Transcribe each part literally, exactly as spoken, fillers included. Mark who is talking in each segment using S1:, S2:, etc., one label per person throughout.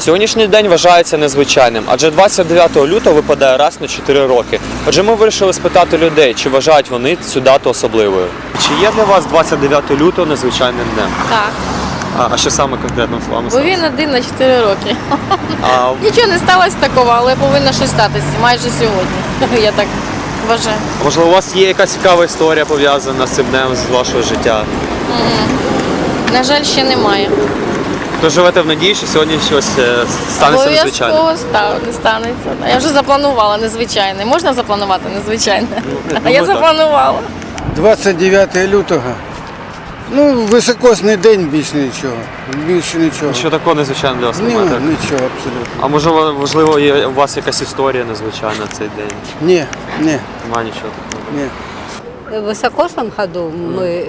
S1: Сьогоднішній день вважається незвичайним, адже двадцять дев'ятого лютого випадає раз на чотири роки. Отже, ми вирішили спитати людей, чи вважають вони цю дату особливою. Чи є для вас двадцять дев'ятого лютого незвичайним днем?
S2: Так,
S1: А, а що саме конкретно з вами
S2: бо
S1: сталося?
S2: він один на чотири роки.
S1: А,
S2: Нічого не сталося такого, але повинно щось статися майже сьогодні. Я так вважаю.
S1: можливо, у вас є якась цікава історія пов'язана з цим днем, з вашого життя?
S2: На жаль, ще немає.
S1: То живете в надії, що сьогодні щось е, станеться незвичайним?
S2: Обов'язково ста- не станеться. Я вже запланувала незвичайне. Можна запланувати незвичайне? А я
S1: ну, так.
S2: запланувала.
S3: двадцять дев'ятого лютого. Ну, високосний день, більше нічого. Більше нічого.
S1: Що такого незвичайного для вас
S3: Ні,
S1: немає? так?
S3: нічого абсолютно.
S1: А можливо, можливо, є у вас якась історія незвичайна в цей день?
S3: Ні, ні,
S1: Немає нічого такого.
S3: ні.
S4: В высокосном году мы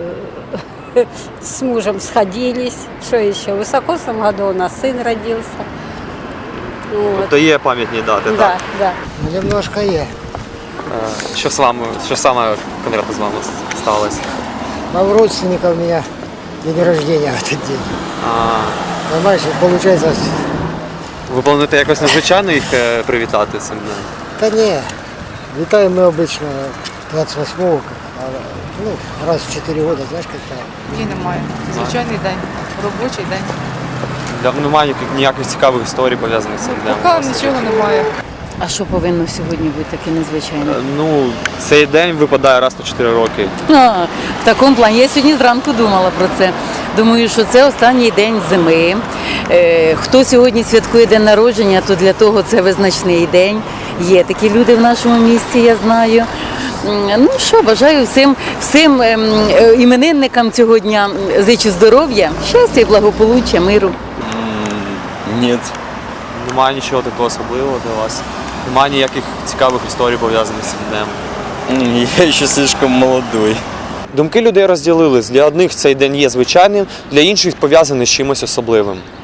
S4: э, с мужем сходились. Что еще? В высокосном году у нас сын родился. Вот.
S1: То є пам'ятні дати,
S4: Да,
S1: так?
S4: да.
S5: Немножко є.
S1: Е, Що з вами, що саме конкретно з вами сталося?
S5: А у родственника у меня день рождения в этот день.
S1: А,
S5: Понимаешь, и получается,
S1: ви плануєте якось незвичайно їх е, привітати цим днем?
S5: да не, летаем мы обычно двадцять восьмого, а, ну, раз в четыре года, знаешь, как-то.
S6: Ні, немає. Звичайний день, робочий день.
S1: Для, немає ніяких- ніяких цікавих історій пов'язаних з цим днем?
S6: Поки нічого немає.
S7: А що повинно сьогодні бути таке незвичайне?
S1: Е, Ну, цей день випадає раз на чотири роки.
S7: А, в такому плані. Я сьогодні зранку думала про це. Думаю, що це останній день зими. Е, хто сьогодні святкує день народження, то для того це визначний день. Є такі люди в нашому місті, я знаю. М, Ну що, бажаю всім, всім ем, е, іменинникам цього дня зичу здоров'я, щастя і благополуччя, миру.
S8: Нет.
S1: Немає нічого такого особливого для вас. Немає ніяких цікавих історій пов'язаних з цим днем.
S8: М, Я еще слишком молодой.
S1: Думки людей розділились. Для одних цей день є звичайним, для інших пов'язаний з чимось особливим.